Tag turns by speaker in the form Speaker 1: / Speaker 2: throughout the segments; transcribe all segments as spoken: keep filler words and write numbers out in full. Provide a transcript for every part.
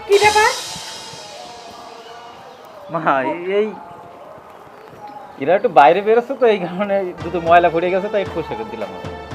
Speaker 1: কি ব্যাপার?
Speaker 2: মা এই এরা একটু বাইরে বেরোচ্ছে তো এই কারণে দুটো ময়লা পড়ে গেছে তাই একটু পরিষ্কার করে দিলাম।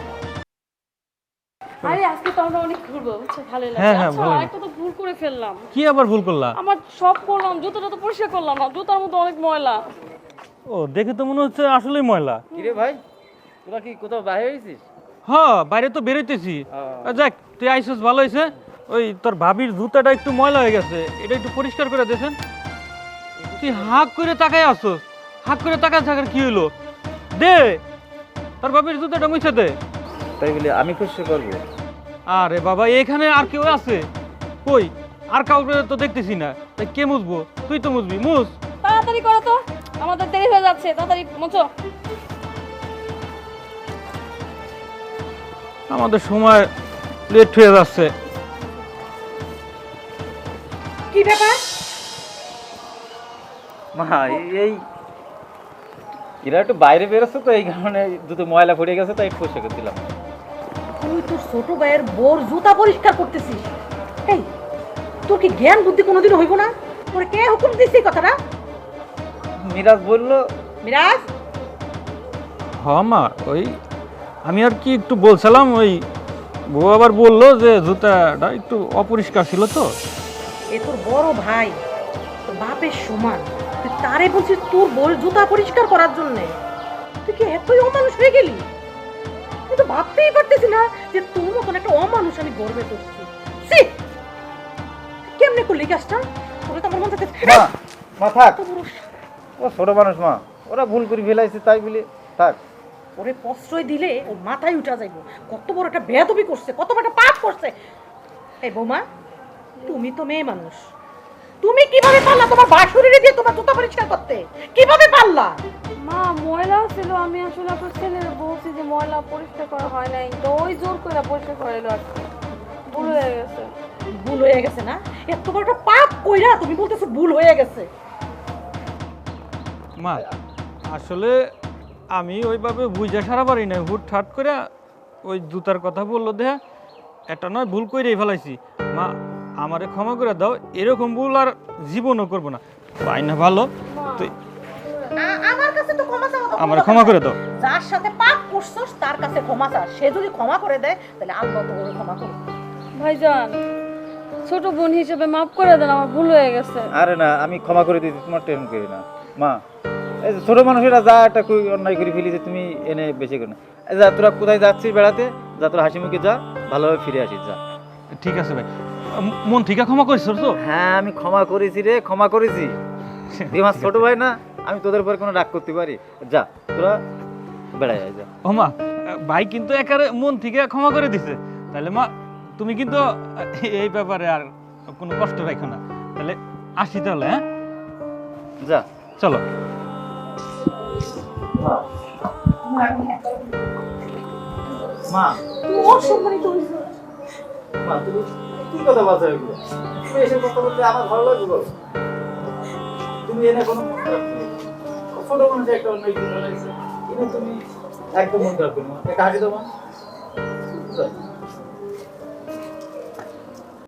Speaker 3: আরে আজকে তো আমরা অনেক ঘুরবো, বুঝছো? ভালোই লাগছে।
Speaker 4: হ্যাঁ, হ্যাঁ,
Speaker 3: আচ্ছা,
Speaker 4: ভালোই।
Speaker 3: একটা তো ভুল করে ফেললাম।
Speaker 4: কি আবার ভুল করলা?
Speaker 3: আমার সব করলাম, জুতোটা তো পরিষ্কার করলাম না, জুতার মধ্যে অনেক ময়লা।
Speaker 4: ও দেখে তো মনে হচ্ছে আসলেই ময়লা।
Speaker 2: কিরে ভাই, তোরা কি কোথাও বাইরে হয়েছিস?
Speaker 4: হ্যাঁ, বাইরে তো বেরোইতেছি। আহ, যাক, তুই আইসস ভালো হয়েছে। ওই তোর ভাবির জুতাটা একটু ময়লা হয়ে গেছে, এটা একটু পরিষ্কার করে দেন। তুই হাঁক করে তাকাই আসস, হাঁক করে তাকায় থাকার কি হলো? দে তোর ভাবির জুতাটা মুছে দে।
Speaker 2: তাই বলে আমি খুশি করবো?
Speaker 4: আরে বাবা, এখানে আর কেউ আছে? কই, আর কাউকে তো দেখতেছি না। তাই কে মুছবো? তুই তো মুছবি, মুছ।
Speaker 3: তাড়াতাড়ি করো তো, আমাদের দেরি হয়ে যাচ্ছে, তাড়াতাড়ি মুছো।
Speaker 4: আমাদের সময় লেট হয়ে যাচ্ছে।
Speaker 1: কি ব্যাপার?
Speaker 2: মা এই এরা একটু বাইরে বেরোচ্ছে তো এই কারণে দুটো ময়লা পড়ে গেছে তাই একটু পরিষ্কার করে দিলাম।
Speaker 1: তুই তোর ছোট ভাইয়ের বোর জুতা পরিষ্কার করতেছিস? এই, তোর কি জ্ঞান বুদ্ধি কোনোদিন হইব না? তোর কে হুকুম দিছিস কথাটা?
Speaker 2: মিরাজ বললো।
Speaker 1: মিরাজ,
Speaker 4: হ্যাঁ মা, ওই আমি আর কি একটু বলছিলাম, ওই বউ আবার বললো যে জুতাটা একটু অপরিষ্কার ছিল তো।
Speaker 1: এ তোর বড় ভাই, তোর বাপের সমান, তুই তারে বলছিস তোর বোর জুতা পরিষ্কার করার জন্য? তুই কি এতই অমানুষ হয়ে গেলি? তুই তো ভাবতেই পারতেছি না যে তোর মতন একটা অমানুষ আমি গর্বে করছি। ছি! কেমনে করলি কাজটা? তোরে তো আমার মন থেকে
Speaker 2: মা মা থাক,
Speaker 1: এত বড়
Speaker 2: ও ছোট মানুষ মা, ওরা ভুল করে ফেলাইছে তাই বলে থাক।
Speaker 1: ওরে প্রশ্রয় দিলে ওর মাথায় উঠা যাইব। কত বড় একটা বেয়াদবি করছে, কত বড় একটা পাপ করছে। এই বৌমা, তুমি তো মেয়ে মানুষ, তুমি কিভাবে পারলা তোমার বাসুরিরে দিয়ে তোমার জুতা পরিষ্কার করতে? কিভাবে পারলা?
Speaker 3: মা, ময়লা ছিল, আমি আসলে আপনার ছেলের বলছি যে ময়লা পরিষ্কার করা হয় নাই, তো ওই জোর করে পরিষ্কার করাইলো আর কি। ভুল হয়ে গেছে।
Speaker 1: ভুল হয়ে গেছে না? এত বড় একটা পাপ কইরা তুমি বলতেছো ভুল হয়ে গেছে?
Speaker 4: মা আসলে আমি ওইভাবে বুঝা সারা পারি না, হুট ঠাট করে ওই জুতার কথা বললো দেহা একটা নয় ভুল করেই ফেলাইছি। মা আমারে ক্ষমা করে দাও, এরকম ভুল আর জীবনও করবো না। পাই না ভালো, তুই
Speaker 1: আ- আমার কাছে তো ক্ষমা চাওয়া তো
Speaker 4: আমার
Speaker 1: কোনো
Speaker 4: ক্ষমা
Speaker 1: কথা
Speaker 4: করে
Speaker 1: না।
Speaker 4: দাও।
Speaker 1: যার সাথে পাপ করছস তার কাছে ক্ষমা চা, সে যদি ক্ষমা করে দেয় তাহলে আল্লাহ তো ওরে ক্ষমা করবে।
Speaker 3: ভাইজান, ছোট বোন হিসেবে মাফ করে দেন, আমার ভুল হয়ে গেছে।
Speaker 2: আরে না, আমি ক্ষমা করে দিয়েছি, তোমার টেনশন করি না মা। এই যে ছোট মানুষেরা যা একটা কই অন্যায় করে ফেলিছে তুমি এনে বেঁচে করে না। এই যা তোরা কোথায় যাচ্ছিস বেড়াতে, যা তোরা হাসি মুখে যা, ভালোভাবে ফিরে আসিস যা।
Speaker 4: ঠিক আছে ভাই, ম- মন থেকে ক্ষমা করিস তো?
Speaker 2: হ্যাঁ আমি ক্ষমা করেছি রে, ক্ষমা করেছি। তুই আমার ছোট ভাই না, আমি তোদের উপর কোনো রাগ করতে পারি? যা তোরা বেড়ায় যা।
Speaker 4: ও মা, ভাই কিন্তু একারে মন থেকে ক্ষমা করে দিছে। তাহলে মা তুমি কিন্তু এই ব্যাপারে আর কোনো কষ্ট রাখো না। তাহলে আসি তাহলে, হ্যাঁ
Speaker 2: যা
Speaker 4: চলো।
Speaker 2: মা,
Speaker 1: তুমি অসম্মানিত হইছো।
Speaker 2: মা তুমি কি কথা বলছো এগুলো? তুমি এসব কথা বলতে আমার ভালো লাগবে বলো? তুমি এনে কোনো মন খারাপ করো না। ছোট মানুষ একটা অন্য কিছু লাগছে, এনে তুমি একদম মন খারাপ করো না। একটা হাসি দাও মা।